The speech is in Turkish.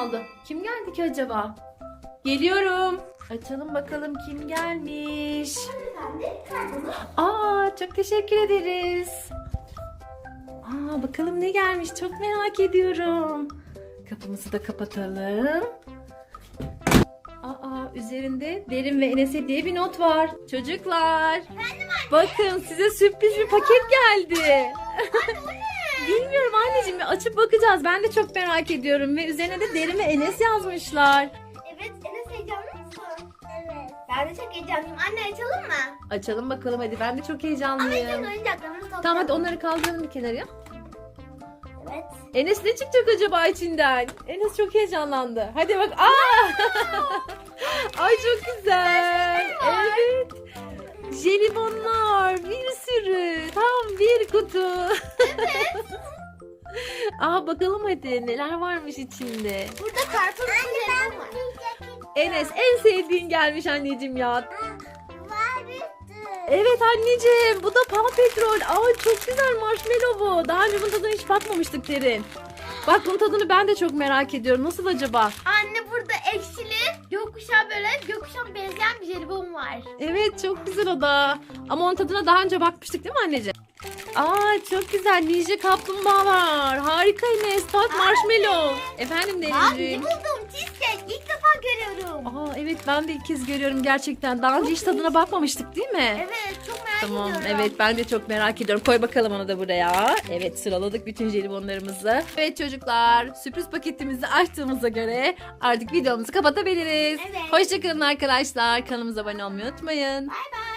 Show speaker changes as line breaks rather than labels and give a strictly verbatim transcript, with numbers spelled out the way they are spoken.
aldı. Kim geldi ki acaba? Geliyorum. Açalım bakalım kim gelmiş. Aa, çok teşekkür ederiz. Aa, bakalım ne gelmiş, çok merak ediyorum. Kapımızı da kapatalım. Aa, üzerinde Derin ve Enes'e diye bir not var. Çocuklar, bakın size sürpriz bir paket geldi. Bilmiyorum anneciğim, açıp bakacağız. Ben de çok merak ediyorum ve üzerine de Derin ve Enes yazmışlar.
Evet, Enes heyecanlı mısın? Evet. Ben de çok heyecanlıyım. Anne açalım mı?
Açalım bakalım hadi. Ben de çok
Ama ilk
heyecanlıyım.
önce oyuncaklarımızı toplayalım.
Tamam hadi onları kaldıralım bir kenara.
Evet.
Enes ne çıkacak acaba içinden? Enes çok heyecanlandı. Hadi bak. Aa! Ay çok güzel. Evet. Jelibonlar bir sürü. Tam bir kutu. Evet. Aa, bakalım hadi neler varmış içinde.
Burada karpuz jelibon var.
Enes en sevdiğin gelmiş anneciğim ya. Evet anneciğim, bu da Paw Patrol. Aa, çok güzel marshmallow bu. Daha önce bunun tadına hiç bakmamıştık Derin. Bak, bunun tadını ben de çok merak ediyorum. Nasıl acaba?
Anne burada ekşili gökkuşağı böyle gökkuşağı benzeyen bir jelibon var.
Evet, çok güzel o da. Ama onun tadına daha önce bakmıştık değil mi anneciğim? Aa, çok güzel. Ninja kaplumbağa var. Harika Enes. Bak, marshmallow. Efendim
Abi ne
Derinciğim.
buldum? Cheesecake. İlk defa görüyorum.
Aa, evet ben de ilk kez görüyorum gerçekten. Daha önce hiç tadına bakmamıştık değil mi?
Evet, çok merak
Tamam,
ediyorum.
evet ben de çok merak ediyorum. Koy bakalım onu da buraya. Evet, sıraladık bütün jelibonlarımızı. Evet çocuklar, sürpriz paketimizi açtığımıza göre artık videomuzu kapatabiliriz.
Evet.
Hoşçakalın arkadaşlar. Kanalımıza abone olmayı unutmayın.
Bay bay.